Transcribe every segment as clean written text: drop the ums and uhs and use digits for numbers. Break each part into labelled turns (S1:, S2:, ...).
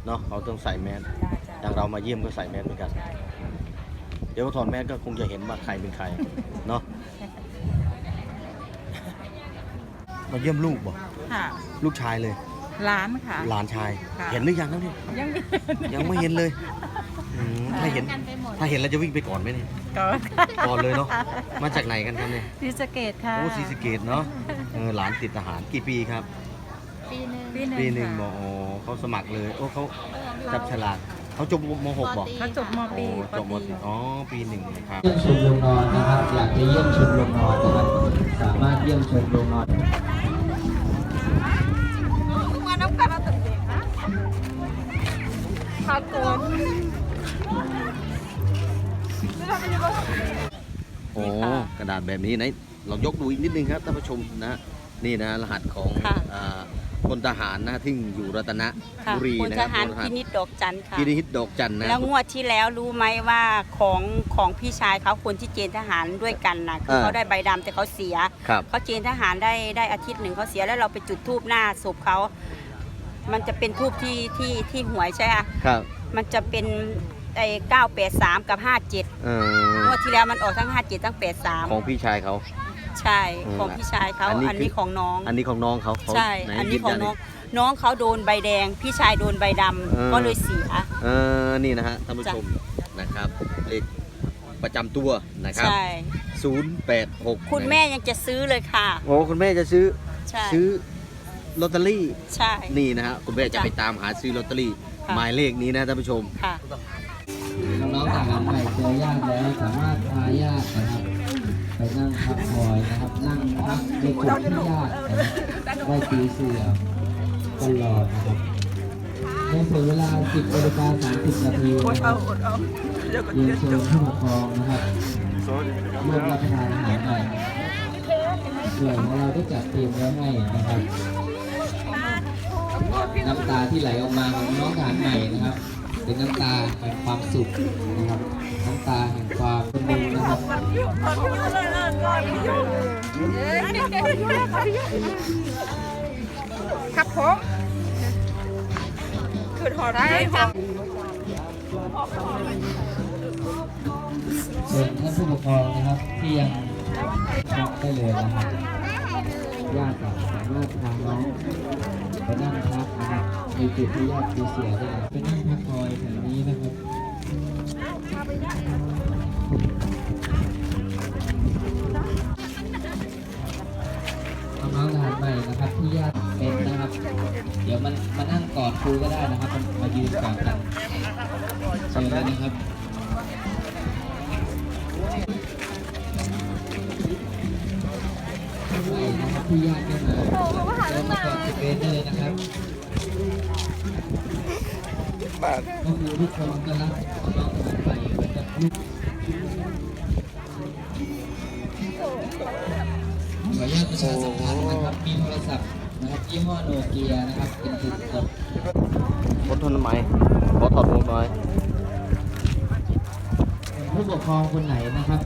S1: เนาะเขาต้องใส่แมสอย่างเรามาเยี่ยมก็ใส่แมสเหมือนกันเดี๋ยวถอดแมสก็คงจะเห็นว่าใครเป็นใครเนาะมาเยี่ยมลูกบ่
S2: ค่ะ
S1: ลูกชายเลย
S2: ร้านค่ะ
S1: หลานชาย
S2: ค่ะ
S1: เห็นหรือยังครับเนี่ย
S2: ยังไม่
S1: ยังไม่เห็นเลยถ้าเห็นเราจะวิ่งไปก่อนไหมเนี่ย
S2: ก่อน
S1: ก่อนเลยเนาะมาจากไหนกันครับเนี่ย
S2: ศรีสะเกษค่ะ
S1: โอ้ศรีสะเกษเนาะหลานติดทหารกี่ปีครับ ปีหนึ่ง
S2: ค่ะ
S1: บอกอ๋อเขาสมัครเลยโอ้เขาจับฉลากเขาจบม .6 บอก
S2: เขาจบม
S1: โอ้
S2: ปี
S1: จบม .4 อ๋อปีหนึ่งครับ
S3: เยี่ยมชมโรงนอนนะครับอยากจะเยี่ยมชมโรงนอนนะครับสามารถเยี่ยมชมโรงนอน
S2: มาน้ำกันเอาตึกเด็กนะขาโกน
S1: โอ้กระดาษแบบนี้ไหนเรายกดูอีกนิดนึงครับท่านผู้ชมนะนี่นะรหัสของพลทหารนะที่อยู่รัตนบุรี
S4: พล
S1: นะ
S4: ท
S1: ครับ
S4: หารพินิจดอกจันทร์ค่ะ
S1: พินิจดอกจันนะ
S4: แล้วงวดที่แล้วรู้ไหมว่าของพี่ชายเขาคนที่เกณฑ์ทหารด้วยกันนะคือเขาได้ใบดำแต่เขาเสีย
S1: ครับ
S4: เขาเกณฑ์ทหารได้อาทิตย์หนึ่งเขาเสียแล้วเราไปจุดธูปหน้าศพเขามันจะเป็นธูปที่หวยใช่ไหม
S1: ครับ
S4: มันจะเป็นไอ้983 กับ 57งวดที่แล้วมันออกทั้ง 57 ทั้ง 83
S1: ของพี่ชายเขา
S4: ใช่ของพี่ชายเขา
S1: อันนี้
S4: อันนี้ของน้อง
S1: อันนี้ของน้องเขา
S4: ใช่
S1: ไห
S4: อันนี้
S1: ยื
S4: ของ
S1: ยั
S4: น้องเขาโดนใบแดง พี่ชายโดนใบดำก็เลยเสีย
S1: นี่นะฮะท่านผู้ชมนะครับเลขประจำตัวนะครับ
S4: ใช่
S1: 086
S4: คุณแม่ยังจะซื้อเลยค่ะ
S1: โอ้คุณแม่จะซื้อ
S4: ใช่
S1: ซื้อลอตเตอรี่
S4: ใช่
S1: นี่นะฮะคุณแม่จะ
S4: จ้ะ
S1: ไปตามหาซื้อลอตเตอรี่
S4: ค่ะ
S1: หมายเลขนี้นะท่านผู้ชม
S4: ค่ะ
S3: น้องๆทหารใหม่เจอญาติแล้วสามารถพาญาตินะครับไปนั่งพักคอยนะครับนั่งพักในจุดที่ญาตินะครับได้ตีเสือตลอดนะครับในส่วนเวลา 10:30 นาทีนะครับเรียนเชิญผู้ปกครองนะครับร่วมรับประทานอาหารใหม่ส่วนของเราได้จัดเตรียมไว้ให้นะครับน้ำตาที่ไหลออกมาของน้องทหารใหม่นะครับ เป็นน้ำตาแห่งความสุขนะครับน้ำตาแห่งความเป็นหนึ่งนะครับ
S2: ครับผมคือหอได้ค่ะ
S3: ส่วนท่านผู้ปกครองนะครับที่ยังช็อกได้เลยนะครับญาติสามารถพาน้องไปนั่งพักนะครับในจุดที่ญาติมีเสียได้ไปนั่งพักคอยแถวนี้นะครับน้องๆทหารใหม่นะครับที่ญาติเป็นนะครับ เดี๋ยวมันมานั่งกอดครูก็ได้นะครับมายืนกอดกันเชิญเลยนะครับที่ญาติไม่มาเรามาก่อนจะเป็นเลยนะครับก็คือทุกคนก็รักน้องทหารใหม่เหมือนกับลูกขออนุญาตประชาสัมพันธ์นะครับมีโทรศัพท์นะครับยี่ห้อโนเกียนะครับเป็นจุดกด
S1: อดทนทำไมขอถอดหมวกหน่อย
S3: ผู้ปกครองคนไหนนะครับ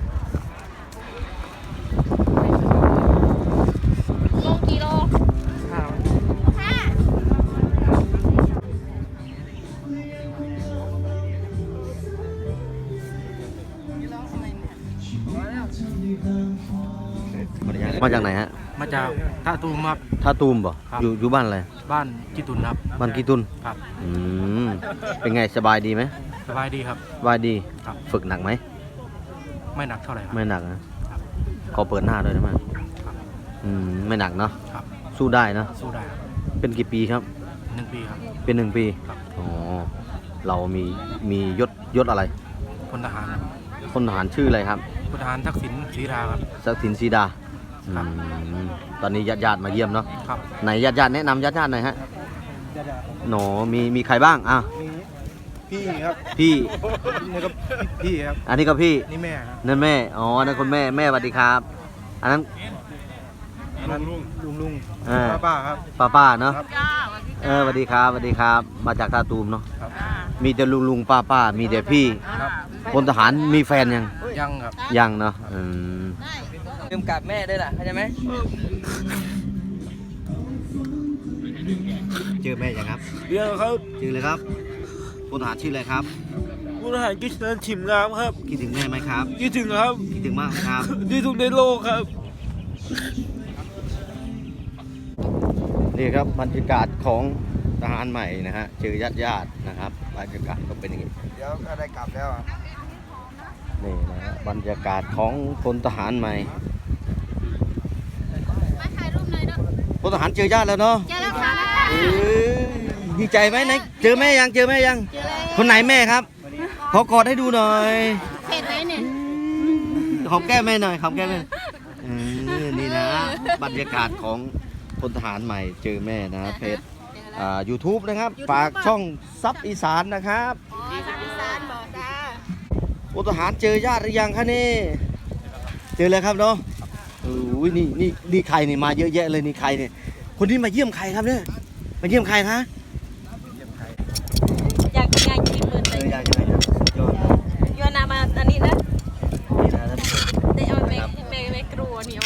S1: มาจากไหนฮะ
S5: มาจากท่าตูมครับ
S1: ท่าตูมบ่
S5: ครับ
S1: อยู่บ้านอะไร
S5: บ้านกิตุนครับ
S1: บ้านกีตุน
S5: ครับ
S1: เป็นไงสบายดีไหม
S5: สบายดีครับ
S1: สบายดี
S5: ครับ
S1: ฝึกหนักไหม
S5: ไม่หนักเท่าไหร่ครับ
S1: ไม่หนักนะขอเปิดหน้าด้วยได้ไหม
S5: ครับ
S1: ไม่หนักเนาะ
S5: ครับ
S1: สู้ได้เนอะ
S5: สู้ได้ครับ
S1: เป็นกี่ปีครับ
S5: 1 ปีครับ
S1: เป็น1 ปี
S5: ครับ
S1: อ๋อเรามียศอะไร
S5: พลทหารครับ
S1: พลทหารชื่ออะไรครับ
S5: พลทหารทักษิณศรีราครับ
S1: ศักดิ์สินศรีดา
S5: ครับ
S1: ตอนนี้ญาติมาเยี่ยมเนาะ
S5: ครับ
S1: ไหนญาติแนะนำญาติหน่อยฮะหนอมีใครบ้างอ่ะ
S5: พี่ครับ
S1: พี่
S5: นี่ก็พี่ครับ
S1: อันนี้ก็พี่
S5: นี่แม่ครับ
S1: นั่นแม่อ๋อนั่นคุณแม่สวัสดีครับ อันนั้น
S5: นั่นลุง
S1: อ่า
S5: ป้าครับ
S1: ป้าเนาะ
S5: ครับ
S1: สวัสดีครับสวัสดีครับ มาจากท่าตูมเนาะ
S5: ครับ
S1: มีแต่ลุงป้ามีแต่พี่
S5: ครับ
S1: พลทหารมีแฟนยัง
S5: ยังครับ
S1: ยังเนาะ
S6: ลืมกลับแม่ด้วยล่ะเข้าใจไหม
S1: จเจอแม่ยังครับ
S7: เรียกครับ
S1: ชื่อเลยครับพลทหารชื่ออะไรครับ
S7: ผู้ทหารกิษณะถิ่มงามครับ
S1: คิดถึงแม่ไหมครับ
S7: คิดถึงครับ
S1: คิดถึงมากไหมครับ
S7: ที่สุดในโลกครับ
S1: นี่ครับบรรยากาศของทหารใหม่นะฮะเจอญาตินะครับบรรยากาศก็เป็นอย่างนี้
S5: เดี๋ยวก็ได้กลับแล้ว
S1: นี่นะฮะบรรยากาศของพลทหารใหม่
S2: มาถ่ายรูปหน่อยเนาะ
S1: พลทหารเจอญาติแล้วเนาะ
S2: เจอแล้วค่ะ
S1: เอ้ยดีใจไหมไหนเจอแม่ยังเจอแม่ยัง
S2: เจอแล้ว
S1: คนไหนแม่ครับขอกอดให้ดูหน่อย
S2: เผ็ดไหมเนี่ย
S1: หอมแก้มแม่หน่อยหอมแก้มแม่นี่นะบรรยากาศของพลทหารใหม่เจอแม่นะเพจYouTube นะครับฝากช่องซับอีสานนะครับ
S2: อ๋อทางอีสานบอกจ้า
S1: พลทหารเจอญาติหรือยังคะนี่เจอแล้วครับเนาะอุ้ยนี่ใครนี่มาเยอะแยะเลยนี่ใครเนี่ยคนที่มาเยี่ยมใครครับเนี่ยมาเยี่ยมใครคะ
S4: อยากกินเบิร์นเลย
S1: อยากจะไหนครับยอด
S4: ยอนามาอันนี้นะ
S1: นี่นะท่านผู้ชม
S4: ได้เอาไม่กลัวนี่เอา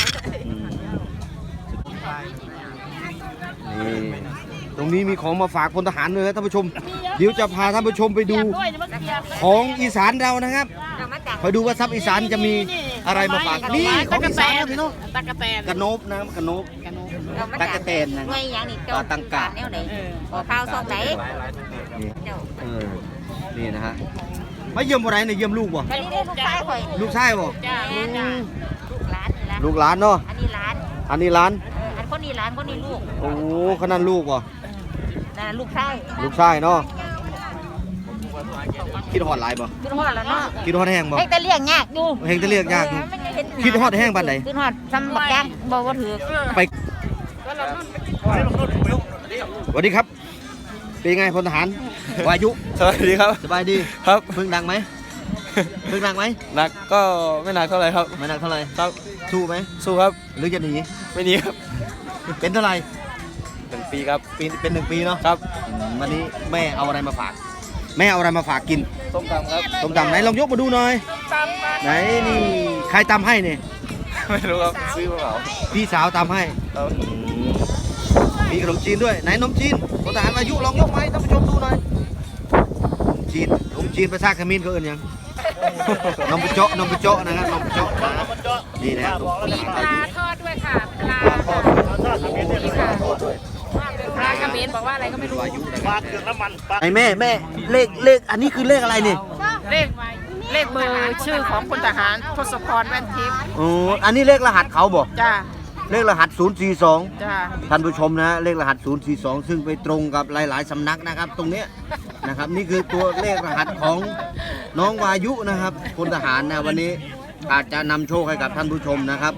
S1: นี่ตรงนี้มีของมาฝากพลทหารเลยนะท่านผู้ชม เดี๋ยวจะพาท่านผู้ชมไปดูของอีสานเรานะครับคอยดูว่าซับอีสานจะมีอะไรมาฝากนี่ของอีสานนะพี่น้อง
S2: ตะกะแตน
S1: กระโนบนะกระโนบตะกะแตนนะ
S2: ไงอย่างนี้
S1: ตังกะ
S2: แนวไหนขอข้าวซองไหน
S1: นี่นี่นะฮะมาเยี่ยมอะไรเนี่ยเยี่ยมลูกบ่
S2: อันนี้ได้ลูกชายข่อย
S1: ลูกชายบ่
S2: จ้าจ้าลูกหลานนี่ละ
S1: ลูกหลานเนาะ
S2: อันนี้หลาน
S1: อันนี้หลาน
S2: อันคนนี้หลานคนนี้ลูก
S1: โอ้ขนาดลูกบ่
S2: นั่นลูกชาย
S1: ลูกชายเนาะคิดฮอดหลายบ่
S2: ขึ้นฮอดแล้วเนาะ
S1: คิดฮอดแห้งบ่
S2: เฮ็ดแต่เลี้ยงยากอยู่
S1: เฮงจะเรียกยากอยู่คิดฮอดแห้งปานใด
S2: ขึ้นฮอดซ้ำบักแกงบ่ถือ
S1: ไปสวัสดีครับ เป็นไงพลทหารวายุ
S7: สวัสดีครับ
S1: สบายดี
S7: ครับ
S1: เพิ่งดังไหมเพิ่งดังไหม
S7: หนักก็ไม่หนักเท่าไหร่ครับ
S1: ไม่ดังเท่าไหร่
S7: ครับ
S1: สู้ไหม
S7: สู้ครับ
S1: หรือจะหนี
S7: ไม่หนีครับ
S1: เป็นเท่าไหร่
S7: 1 ปีครับ
S1: เป็น1 ปีเนาะ
S7: ครับ
S1: วันนี้แม่เอาอะไรมาฝาก แม่เอาอะไรมาฝากกิน
S7: ส้มตำครับ
S1: ต้มตำไหนลองยกมาดูหน่อยไหนนี่ใครตำให้เนี่ย
S7: ไม่รู้ครับ ซื้อมาเปล่า
S1: พี่สาวตำให้
S7: ครับ
S1: มีขนมจีนด้วยไหนขนมจีนพลทหารวายุลองยกมาให้ท่านผู้ชมดูหน่อยขนมจีนภาษาเขมรเขาเอิ้นหยังนมปะเจาะนมปะเจาะนะครับนมปะเจาะนะนี่นะครับ
S2: มีปลาทอดด้วยค่ะปลาปลากระเบนบอกว่าอะไรก็ไม่รู้
S1: วายุนะครับไอ้แม่เลขอันนี้คือเลขอะไรเนี่ย
S2: เลขเบอร์ชื่อของพลทหารทศพรแว่นทิพย์
S1: โอ้อันนี้เลขรหัสเขาบอก
S2: จ้า
S1: เลขรหัส 042
S2: จ้า
S1: ท่านผู้ชมนะเลขรหัส 042 ซึ่งไปตรงกับหลาย ๆ สำนักนะครับ ตรงเนี้ยนะครับนี่คือตัวเลขรหัสของน้องวายุนะครับพลทหารนะวันนี้อาจจะนำโชคให้กับท่านผู้ชมนะครับ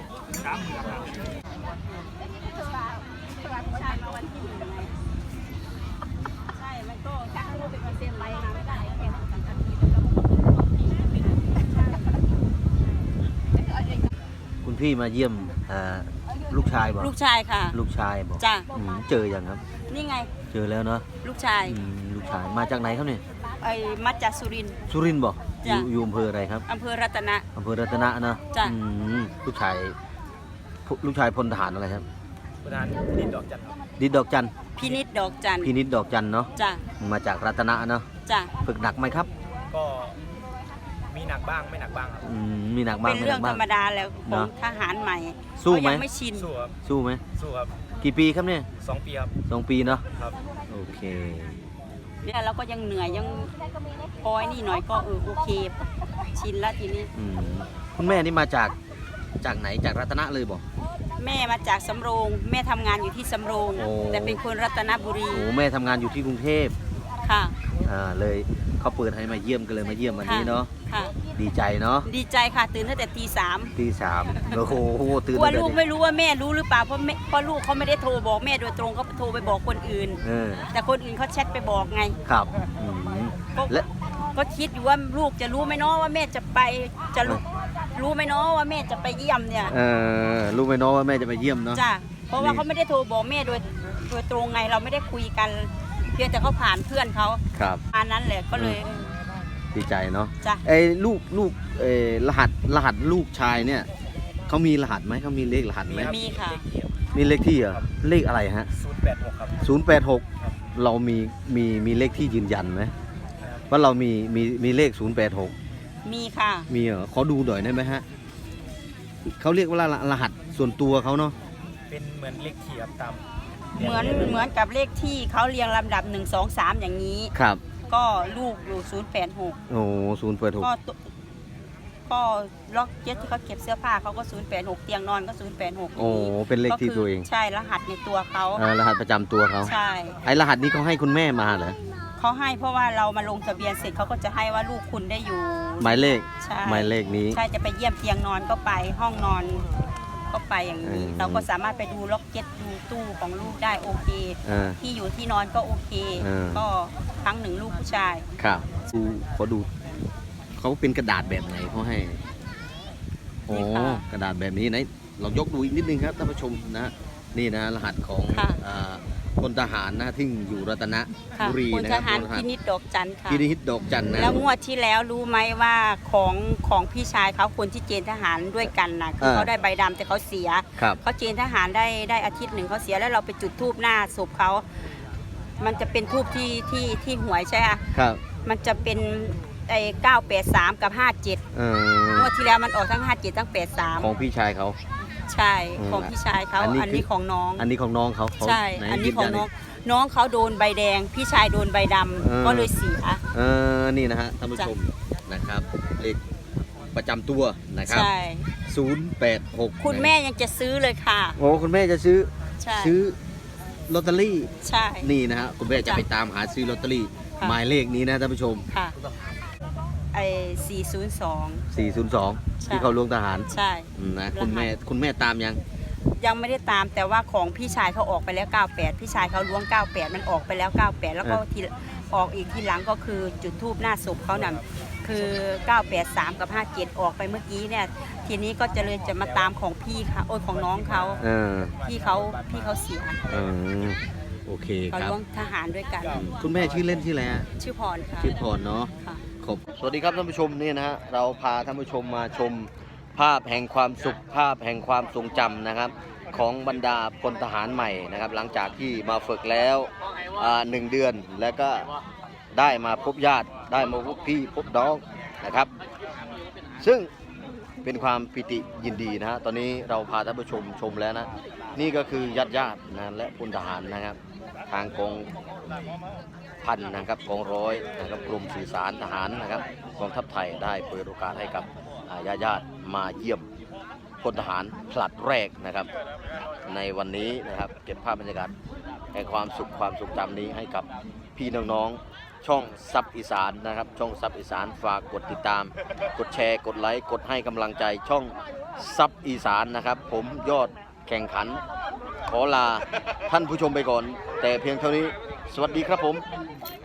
S1: คุณพี่มาเยี่ยมลูกชายบอก
S4: ลูกชายค่ะ
S1: ลูกชายบอก
S4: จ้ะ
S1: เจอยังครับ
S4: นี่ไง
S1: เจอแล้วเนาะ
S4: ลูกชาย
S1: ลูกชายมาจากไหนครับเนี่ย
S4: ไอ้มาจากสุรินทร์
S1: สุรินทร์บอก
S4: จ้ะ
S1: อยู่อำเภออะไรครับ
S4: อำเภอรัตนะ
S1: อำเภอรัตนะเนาะ
S4: จ้ะ
S1: ลูกชายพลทหารอะไรครับ
S7: ประธานดินดอกจันทร์ครับ
S1: ดิดดอกจัน
S4: พินิจดอกจันทร์
S1: พินิดดอกจันเนาะ
S4: จ้ะ
S1: มาจากรัตนะเนาะ
S4: จ้ะ
S1: ฝึกหนักไหมครับ
S7: ก็มีหนักบ้างไม่หนักบ้างครับ
S1: มีหนักบ้าง
S4: เป็น
S1: ไม่ห
S4: เรื่
S1: นั
S4: อง
S1: ก
S4: ธ
S1: บ้าร ง
S4: รมดาแล้วข
S1: เน
S4: อง
S1: อะ
S4: ทหารใหม่
S1: สู้ไหม
S4: เขายังไม่ชิน
S7: สู้ครับ
S1: สู้ไหม
S7: สู้ครับ
S1: กี่ปีครับเนี่ย
S7: 2 ปีครับ
S1: 2 ปีเนาะ
S7: ครับ
S1: โอเค
S4: เนี่ยเราก็ยังเหนื่อยยังปอยนี่หน่อยก็โอเค ชินแล้วทีนี้
S1: คุณแม่นี่มาจากไหนจากรัตนะเลยบอก
S4: แม่มาจากสำโรง แม่ทำงานอยู่ที่สำโรง
S1: โอ้
S4: แต่เป็นคนรัตนบุรี
S1: โอ้แม่ทำงานอยู่ที่กรุงเทพ
S4: ค่ะ
S1: เลยเขาเปิดให้มาเยี่ยมกันเลยมาเยี่ยมวันนี้เนาะ
S4: ค่ะ
S1: ดีใจเนาะ
S4: ดีใจค่ะตื่นตั้งแต่ตี 3
S1: ตีสามโอ้โหตื่น
S4: กลัว
S1: ตั้งแต่
S4: ลูก
S1: เด็ก
S4: ไม่รู้ว่าแม่รู้หรือเปล่าเพราะลูกเขาไม่ได้โทรบอกแม่โดยตรงเขาโทรไปบอกคนอื่น แต่คนอื่นเขาแชทไปบอกไง
S1: ครับ
S4: ก็
S1: และ
S4: ก็คิดอยู่ว่าลูกจะรู้ไหมเนาะว่าแม่จะไปจะรู้ไหมเนาะว่าแม่จะไปเยี่ยมเนี่ย
S1: รู้ไหมเนาะว่าแม่จะไปเยี่ยมเนาะ
S4: จ้ะเพราะว่าเขาไม่ได้โทรบอกแม่โดยตรงไงเราไม่ได้คุยกัน เพียงแต่เขาผ่านเพื่อนเขา
S1: ครับ
S4: อันนั้นแหละก็เลย
S1: ดีใจเนาะ
S4: จ้ะ
S1: ลูกรหัสลูกชายเนี่ยเขามีรหัสไหมเขามีเลขรหัสไหม
S4: มีค่ะ
S1: มีเลขที่เหรอเลขอะไรฮะ
S7: 086ครับ
S1: 086 เรามีเลขที่ยืนยันไหมว่าเรามีเลข 086
S4: มีค่ะ
S1: มีเหรอขอดูหน่อยได้ไหมฮะเขาเรียกว่ารหัสส่วนตัวเขาเนาะ
S7: เป็นเหมือนเลขที่ครับตาม
S4: เหมือนกับเลขที่เขาเรียงลำดับ 1 2 3 อย่างนี้
S1: ครับ
S4: ก็ลูกอยู่ 086
S1: โอ้086
S4: ก็ล็อกเก็ตที่เขาเก็บเสื้อผ้าเขาก็ 086 เตียงนอนก็ 086
S1: โอ้เป็นเลขที่ตัวเอง
S4: ใช่รหัสในตัวเขา
S1: รหัสประจำตัวเขา
S4: ใช่
S1: ไอ้รหัสนี้เขาให้คุณแม่มาเหรอ
S4: เขาให้เพราะว่าเรามาลงทะเบียนเสร็จเขาก็จะให้ว่าลูกคุณได้อยู่
S1: หมายเลข
S4: ใช่
S1: หมายเลขนี้
S4: ใช่จะไปเยี่ยมเตียงนอนก็ไปห้องนอนก็ไปอย่างนี้
S1: อืม
S4: เราก็สามารถไปดูล็อกเก็ตดูตู้ของลูกได้โอเค
S1: อ่า
S4: ที่อยู่ที่นอนก็โอเค ก็ครั้งหนึ่งลูกผู้ชาย
S1: ครับขอดูเขาเป็นกระดาษแบบไหนเขาให้โอ้กระดาษแบบนี้ไหนเรายกดูอีกนิดนึงครับท่านผู้ชมนะนี่นะรหัสของ
S4: ค่ะ
S1: พลทหารนะที่อยู่รัตน
S4: ค่ะ
S1: บุรี
S4: พล
S1: นะ
S4: ท
S1: ครับ
S4: หาร
S1: พลทหาร
S4: พินิจดอกจันทร์ค่ะ
S1: พินิจดอกจันนะ
S4: แล้วงวดที่แล้วรู้ไหมว่าของพี่ชายเขาคนที่เกณฑ์ทหารด้วยกันนะคือเขาได้ใบดำแต่เขาเสีย
S1: ครับ
S4: เขาเกณฑ์ทหารได้อาทิตย์หนึ่งเขาเสียแล้วเราไปจุดธูปหน้าศพเขา มันจะเป็นธูปที่หวยใช่ไหม
S1: ครับ
S4: มันจะเป็นไอ้983 กับ 57งวดที่แล้วมันออกทั้ง 57 ทั้ง
S1: ของพี่ชายเขา
S4: 83 ใช่ของพี่ชายเขา
S1: อันนี้
S4: อันนี้ของน้อง
S1: อันนี้ของน้องเขาเขา
S4: ใช่
S1: ไห
S4: อันนี้ของ
S1: ยืยั
S4: น้องเขาโดนใบแดง พี่ชายโดนใบดำก็เลยเสีย
S1: นี่นะฮะท่านผู้ชมนะครับเลขประจำตัวนะครับ
S4: ใช่
S1: 086
S4: คุณแม่ยังจะซื้อเลยค่ะ
S1: โอ้คุณแม่จะซื้อ
S4: ใช่
S1: ซื้อลอตเตอรี่
S4: ใช่
S1: นี่นะฮะคุณแม่จะ
S4: จ้ะ
S1: ไปตามหาซื้อลอตเตอรี่
S4: ค่ะ
S1: หมายเลขนี้นะท่านผู้ชม
S4: ค่ะไอ้402
S1: 402
S4: ใช่
S1: ที่เขาลวงทหาร
S4: ใช่
S1: นะ
S4: รหัส
S1: คุณแม่ตามยัง
S4: ยังไม่ได้ตามแต่ว่าของพี่ชายเขาออกไปแล้ว 98 พี่ชายเขาล้วง 98 มันออกไปแล้ว 98 แล้วก็ทีออกอีกทีหลังก็คือจุดทูบหน้าศพเขานั่นคือ 983 กับ 57 ออกไปเมื่อกี้เนี่ยทีนี้ก็จะมาตามของพี่เขาของน้องเขา พี่เขาเสีย
S1: โอเค
S4: เขา
S1: ครับ
S4: ล้วงทหารด้วยกัน
S1: คุณแม่ชื่อเล่นชื่ออะไรฮะ
S4: ชื่อพรค่ะ
S1: ชื่อพรเนาะ
S4: ค่ะ
S1: สวัสดีครับท่านผู้ชมนี่นะฮะเราพาท่านผู้ชมมาชมภาพแห่งความสุขภาพแห่งความทรงจำนะครับ ของบรรดาพลทหารใหม่นะครับ หลังจากที่มาฝึกแล้ว1 เดือนแล้วก็ได้มาพบญาติได้มาพบพี่พบน้องนะครับ ซึ่งเป็นความปิติยินดีนะฮะตอนนี้เราพาท่านผู้ชมชมแล้วนะนี่ก็คือญาตินะและพลทหารนะครับ ทางกองพันนะครับกองร้อยนะครับกรมสื่อสารทหารนะครับกองทัพไทยได้เปิดโอกาสให้กับญาติมาเยี่ยมพลทหารผลัดแรกนะครับ ในวันนี้นะครับเก็บภาพบรรยากาศแห่งความสุขความทรงจำนี้ให้กับพี่น้องๆช่องซับอีสานนะครับช่องซับอีสานฝากกดติดตาม กดแชร์กดไลค์กดให้กำลังใจช่องซับอีสานนะครับ ผมยอดแข่งขันขอลาท่านผู้ชมไปก่อน แต่เพียงเท่านี้สวัสดีครับผม